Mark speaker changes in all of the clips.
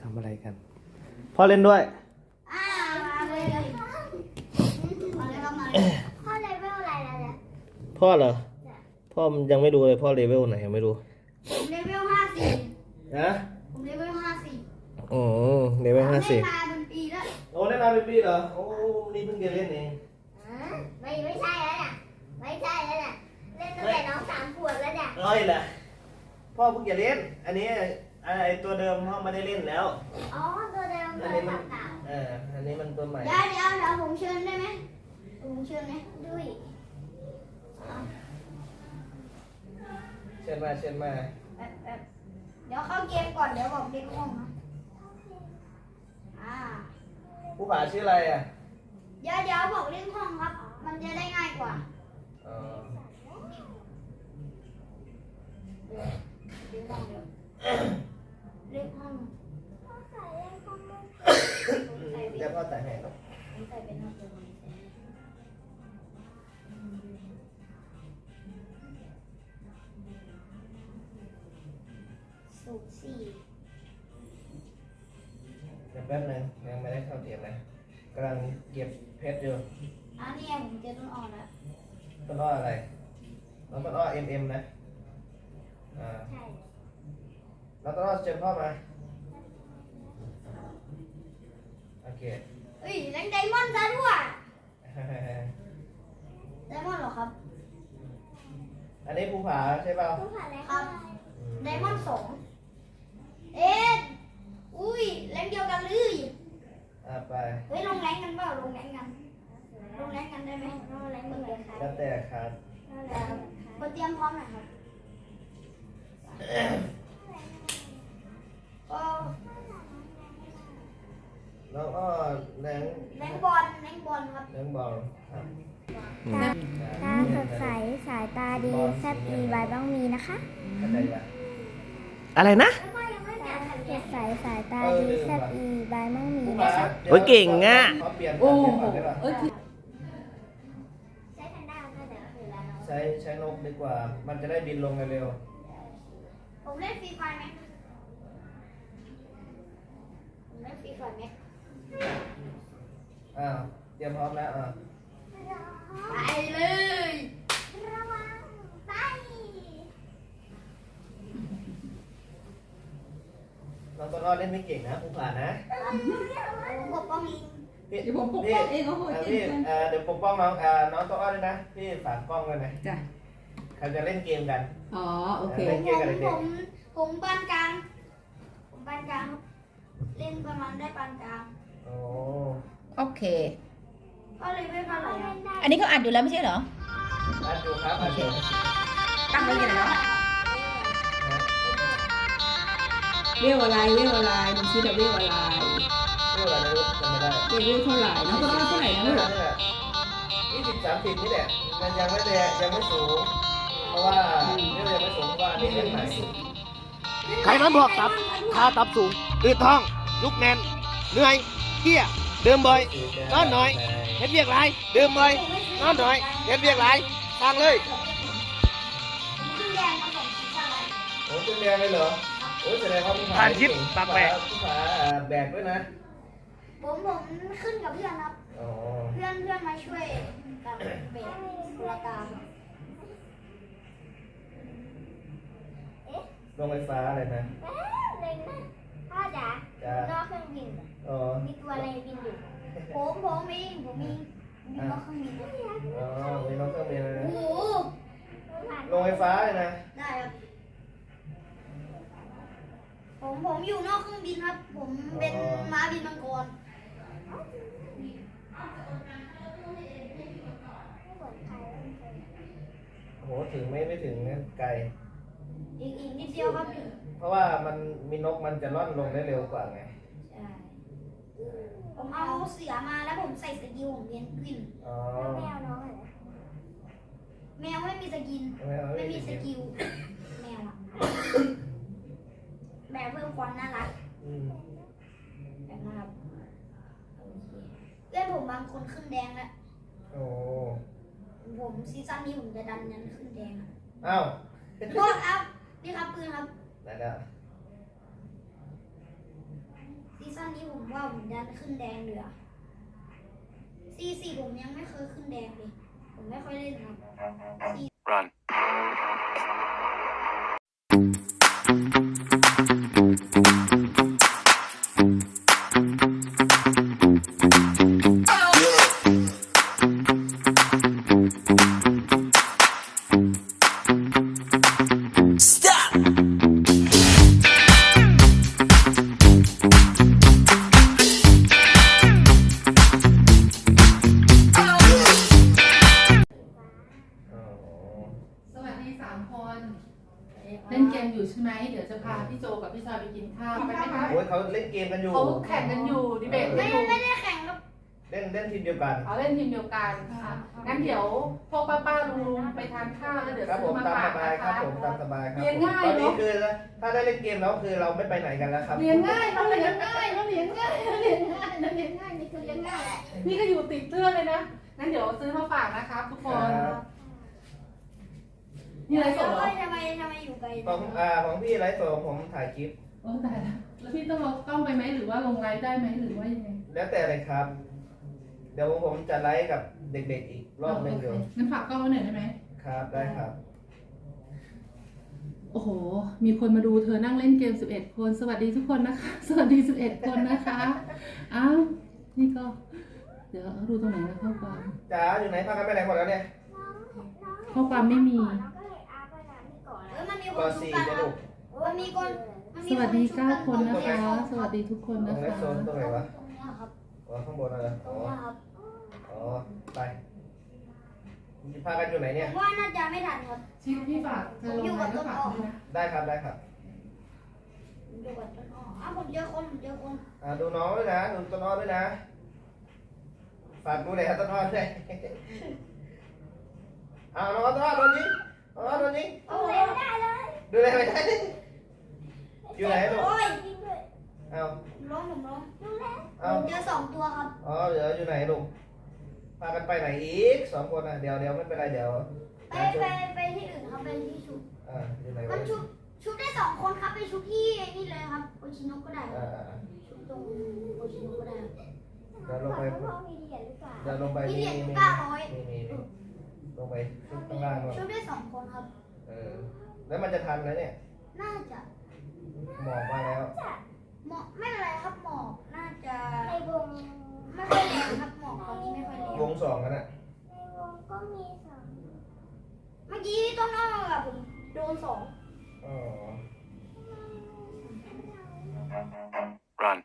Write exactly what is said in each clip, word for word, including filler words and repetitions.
Speaker 1: ำอะไรกันพ่อเล่นด้วย
Speaker 2: อ่ามาเลยเลยมาเลยครับมาพ่อเลเวลอะไรแล้วเนี่ย
Speaker 1: พ่อเหรอพ่อมันยังไม่รู้เลยพ่อเลเวลไหนยังไม่รู้
Speaker 2: ผมเลเวลห้าสี่
Speaker 1: นะ
Speaker 2: ผมเลเวลห้าสี่
Speaker 1: อ๋อเลเวลห้าสี่
Speaker 2: เล่นมาเป็นปีแล้ว
Speaker 1: โอ้เล่นมาเป็นปีเหรอโอ้นี่เพิ่งจะเล่นเอง
Speaker 2: ไม่ไม่ใช่แล้วเนี่ยไม่ใช่แล้วเนี่ยเล่นตั้งแต่น้องสามขวบแล้วเนี่ย
Speaker 1: ร้อยแหละพ่อเพิ่งจะเล่นอันนี้ไอตัวเดิมพ่อไม่ได้เล่นแล้ว
Speaker 2: อ๋อตัวเดิมตัวเก่า
Speaker 1: เอออันนี้มันตัวใหม่
Speaker 2: เดี๋ยวเดี๋ยวเดี๋ยวผมเชิญได้ไหมผมเชิญไหมด้วย
Speaker 1: เชิญมาเชิญมา
Speaker 2: แบบแบบเดี๋ยวเข้าเกมก่อนเดี๋ยวบอกเด็กห้องนะอ่า
Speaker 1: ผู้ผ่าชื่ออะไรอ่ะ
Speaker 2: เดี๋ยวเดี๋ยวบอกเล่นห้องครับมันจะได้ง่ายกว่า
Speaker 1: อ๋อ
Speaker 2: เดี๋ยวเดี๋ยวห้องเดี๋ยวเล่นห้องพ่อใส่เล่นห้อง
Speaker 1: เดี๋ยวพ่อแต่งให้ครับ
Speaker 2: ใส่เป็นห้องเดียวสูงสี่
Speaker 1: เดี๋ยวแป๊บนึงยังไม่ได้เข้าเตรียมเลยกำลังเก็บเพชรอยู่
Speaker 2: อันนี้ผมเจอต้นอ่อนแล้ว
Speaker 1: ต้นอ้ออะไรน้องต้นอ้อเอ็มเอ็มนะอ่า
Speaker 2: ใช่
Speaker 1: แล้วต้นอ้อเชิญพ่อมาโอเค
Speaker 2: เฮ้ยเล่นไดมอนด์ซะด้วยไดมอนด์เหรอครับ
Speaker 1: อันนี้ภูผาใช่เปล่า
Speaker 2: ภูผาอะไรครับไดมอนด์สองเอ๊ะอุ้ยแรงเดียวกันเลย
Speaker 1: อ่าไป
Speaker 2: เฮ้ยลงแรงกันเปล่าลงแรงกันลงแรงกันได้ไหมลงแรงกันเลยครับ
Speaker 1: แล้วแต่ครับ
Speaker 2: คนเตรียมพร้อมหน่อยครับก็
Speaker 1: แล้วก็แรง
Speaker 2: แรงบอลแรงบอลครับ
Speaker 1: แรงบอลครับ
Speaker 3: ตาตาสดใสสายตาดีแซ่บอีไวบ้างมีนะคะ
Speaker 1: อะไรนะ
Speaker 3: สดใสสายตาดีแซ่บอีไวบ้างมีนะคะ
Speaker 1: โอ้ยเก่งอ่ะ
Speaker 4: โอ้โหเอ้ย
Speaker 2: ใช้แพนด้าก็เดี๋ยวคือแล้วเนาะ
Speaker 1: ใช้ใช้นกดีกว่ามันจะได้บินลงเร็ว
Speaker 2: ผมเล่นฟรีไฟไหมผมเล่นฟรีไฟไหม
Speaker 1: อ่าเตรียมพร้อมแล้วอ่า
Speaker 2: ไปเลยระวังไป
Speaker 1: น้องต้นอ้อเล่นไม่เก่งนะภูผานะ
Speaker 2: ผมปกป้องลิง
Speaker 1: พี่
Speaker 4: เดี๋ยวผมปกป้องเองเขาพูดจริ
Speaker 1: พี่
Speaker 4: ง
Speaker 1: เดี๋ยวปกป้องน้องอ่าน้องต้นอ้อด้วยนะพี่ฝากกล้องเลยนะ
Speaker 4: จ้ะ
Speaker 1: เขาจะเล่นเกมกัน
Speaker 4: อ๋อโอเค
Speaker 1: เล่นเกมกัน
Speaker 2: ผมผมปานกลางผมปานกลางเล่นประมาณได้ปานกลาง
Speaker 1: โอ้
Speaker 4: โอเค
Speaker 2: ก็เลยไม่เท่าไหร่
Speaker 4: อันนี้เขาอัดอยู่แล้วไม่ใช่เหรอ
Speaker 1: อัดอยู่ครับอัดอยู่
Speaker 4: ตั้งไว้ยังไงเนาะเรียกอะไรเรียกอะไรมันชื่อเรียกอะไร
Speaker 1: เรื่องอะไรไม่รู้จำไม่ได้
Speaker 4: เรียกเท่าไหร่น้องก็ต้องเท่าไหร่นะลูก
Speaker 1: ยี่สิบสามสิบนี่แหละมันยังไม่แรงยังไม่สูงเพราะว่าเรื่องยังไม่สูงเพราะว่านี่เล่นใหม่ใครนั้นบอกตับถ้าตับสูงอืดท้องลุกแน่นเหนื่อยเที่ยเดิมบ่อยนอนหน่อยเฮ็ดเวียกไรเดิมบ่อยนอนหน่อยเฮ็ดเวียกไรทางเลย
Speaker 2: ขึ้นแดงมาสองชิ้นอะไร
Speaker 1: โอ้ขึ้นแดงเลยเหรอโอ้แสดงว่าผู้ผ่านชิปปากแบกผู้ผ่าแบกด้วยนะ
Speaker 2: ผมผมขึ้นกับเพื่อนครับเพื่อนเพื่อนมาช่วยกับเบรกคนละกา
Speaker 1: ลงไฟฟ้าอะไรนะ
Speaker 2: เล็งนะพ่อจ๋านอกเครื่องบินมีตัวอะไรบินอยู่ผมผมเองผมมีมีนอกเครื่องบิน
Speaker 1: อ๋อมีนอกเครื่องบินเลย
Speaker 2: โอ้โห
Speaker 1: ลงไฟฟ้าเลยนะ
Speaker 2: ได้ครับผมผมอยู่นอกเครื่องบินครับผมเป็นม้าบินมังกร
Speaker 1: โหถึงไม่ไม่ถึงไกล
Speaker 2: อีกอีกนิดเดียวครับ
Speaker 1: เพราะว่ามันมีนกมันจะล่อนลงได้เร็วกว่าไง
Speaker 2: ใช่ผมเอาเสือมาแล้วผมใส่สกิลของเรียนกวินแมวน้องอะไรแมวไม่มีสกินไม่มีสกิลแมวอะแบบเพิ่มความน่ารักแบบนะครับเพื่อนผมบางคนขึ้นแดงแล้ว
Speaker 1: โอ้
Speaker 2: ผมซีซั่นนี้ผมจะดันยันขึ้นแดง
Speaker 1: อ้าว
Speaker 2: โทษครับนี่ครับปืนครับ
Speaker 1: ได้แล้ว
Speaker 2: อนนี้ผมว่าผมดันขึ้นแดงเหลือซีซีผมยังไม่เคยขึ้นแดงเลยผมไม่ค่อยเล่นครับ
Speaker 5: Run.
Speaker 1: อ๋อ
Speaker 6: สวัสดีสามคน เล่นเกมอยู่ใช่ไหม เดี๋ยวจะพาพี่โจกับพี่ชายไปกินข้าวไปไหมคะ
Speaker 1: โอ้ยเขาเล่นเกมกันอยู่
Speaker 6: เขาแข่งกันอยู่ดีเบตกั
Speaker 2: ไม่
Speaker 6: นอยู่
Speaker 2: ไม่ได้แข่งครับ
Speaker 1: เล่นเล่นทีมเดียวกัน
Speaker 6: เอาเล่นทีมเดียวกันค่ะงั้นเดี๋ยวพวกป้าป้าลุงไปทานข้าวแล้วเดี๋ยว
Speaker 1: ครับผ
Speaker 6: ซื้อ
Speaker 1: ม
Speaker 6: มา
Speaker 1: ตาม
Speaker 6: ฝา
Speaker 1: ส
Speaker 6: ก
Speaker 1: บาย
Speaker 6: นะ
Speaker 1: ครับ
Speaker 6: คะ
Speaker 1: ผมตามสบายครับ
Speaker 6: เรียนง่าย
Speaker 1: ตอนนี้
Speaker 6: เนอะ
Speaker 1: คือถ้าได้เล่นเกมแล้วคือเราไม่ไปไหนกันแล้วครับ
Speaker 6: เรียนง่ายเราเรียนง่ายเราเรียนง่ายเราเรียนง่ายเราเรียนง่ายนี่คือเรียนง่ายนี่ก็อยู่ติดเพื่อนเลยนะงั้นเดี๋ยวซื้อมาฝากนะครับทุกคน
Speaker 1: ครับ
Speaker 6: นี่อะไรสดเหรอ
Speaker 2: ทำไมทำไมอยู่ไกล
Speaker 1: ของอ่าของพี่ไลฟ์สดของผมถ่ายคลิป
Speaker 6: โอ้ตายแล้วแล้วพี่ต้องเอากล้องไปไหมหรือว่าลงไลฟ์ได้ไหมหรือว่ายังไง
Speaker 1: แล้วแต่เลยครับ เดี๋ยวผมจะไลฟ์กับเด็กๆอีกรอบหนึงเดี๋ยว
Speaker 6: โอเคงั้นฝากกล้องไว้หน่อยได้ไหม
Speaker 1: ครับได้ครับ
Speaker 6: โอ้โห มีคนมาดูเธอนั่งเล่นเกมสิบเอ็ดคน สวัสดีทุกคนนะคะ สวัสดีสิบเอ็ดคนนะคะ อ้าว นี่ก็ เดี๋ยวเอาดูตรงไหนนะข้อความ
Speaker 1: จ๋าอยู่ไหนพากันไปไหนหมดแล้วเนี่ย
Speaker 6: ข้อความไม่มี
Speaker 2: เออมันมีค
Speaker 1: ก่อน นสี่
Speaker 2: ชุบ
Speaker 1: จะ
Speaker 2: กัน
Speaker 1: ลูก
Speaker 2: มันมีคนมัน
Speaker 6: ส
Speaker 2: มี
Speaker 6: วัสดี
Speaker 2: ชุบ
Speaker 6: เก้าคน
Speaker 2: ตรง
Speaker 6: นะคะ สวัสดีทุกคน
Speaker 1: ตร
Speaker 6: นะ
Speaker 1: งไล
Speaker 6: คะ
Speaker 1: ฟ์โซนตรงไหนวะ
Speaker 2: ตรงเนี้ยครับ
Speaker 1: อ๋อข้างบนอะไร
Speaker 2: ตร
Speaker 1: อ๋
Speaker 2: ง
Speaker 1: อ
Speaker 2: เนี้ยครับ
Speaker 1: อ๋อไปพากันอยู่ไหนเนี่ย
Speaker 2: ผมว่าน่าจะไม่ทันครับ
Speaker 6: ชิปพี่ฝากเธอลงไลน์ก็ฝากด้วยนะ
Speaker 1: ได้ครับได้ครับ
Speaker 2: ผมอยู่กับต้นอ้ออ้าวผมเจอคนผมเจอคน
Speaker 1: อ่าดูน้องด้วยนะดูต้นอ้อด้วยนะฝากดูเลยครับต้นอ้อด้วยอ้าวน้องต้นอ้อโดนยิงน้องอ้อโดนยิง
Speaker 2: โอ้ยไม่ได้เลย
Speaker 1: ดูเลยไม่ได้อยู่ไหนลูก
Speaker 2: โอ้ย
Speaker 1: เอา
Speaker 2: ผมร้องผมร้อง
Speaker 1: เอา
Speaker 2: ผมเจอสองตัวครับ
Speaker 1: อ๋อเดี๋ยวอยู่ไหนลูกพากันไปไหนอีกสองคนอ่ะเดี๋ยวเดี๋ยวไม่เป็นไรเดี๋ยว
Speaker 2: ไปไปไปที่อื่นครับไปที่ชุบ
Speaker 1: อ่าอยู่ไหน
Speaker 2: มั
Speaker 1: วะ
Speaker 2: นชุบชุบได้สองคนครับไปชุบที่ไอ้นี่เลยครับโอชิโนะก็ได้ค
Speaker 1: อ่า
Speaker 2: รับ
Speaker 1: อ่า
Speaker 2: ชุบตรงโอชิโนะก็ได้ครับ
Speaker 1: เดี๋ยวลงไปเดี๋ยวลงไป
Speaker 2: มี
Speaker 1: มี
Speaker 2: เหรียญ
Speaker 1: มี
Speaker 2: เก้าร้อย
Speaker 1: มีมีมีลงไปชุดข้างล่างก่อน
Speaker 2: ชุบได้สองคนครับ
Speaker 1: เออแล้วมันจะทันไหมเนี่ย
Speaker 2: น่าจะ
Speaker 1: หมอกมาแล้ว
Speaker 2: หมอกไม่เป็นไรครับหมอกน่าจะไม่ค่อยแรงครับหมอกตอนนี้ไม่ค่อยแรง
Speaker 1: วงสองกันอ่ะ
Speaker 2: เมื่อกี้ต้นอ้อกับผมโดนสอง
Speaker 1: อ๋อ
Speaker 5: Run.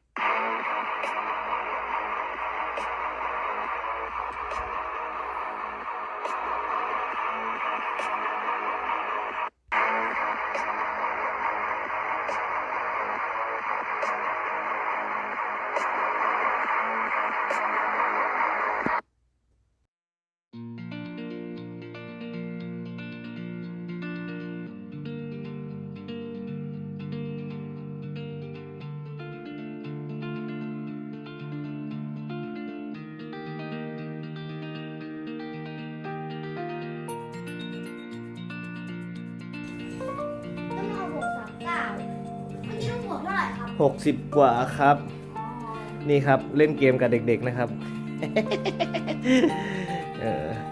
Speaker 2: ต้นอ้อบวกสามเก้าเมื่อกี้ต้องบวกเท่าไหร่ครับ
Speaker 1: หกสิบกว่าครับ นี่ครับเล่นเกมกับเด็กๆนะครับ เออ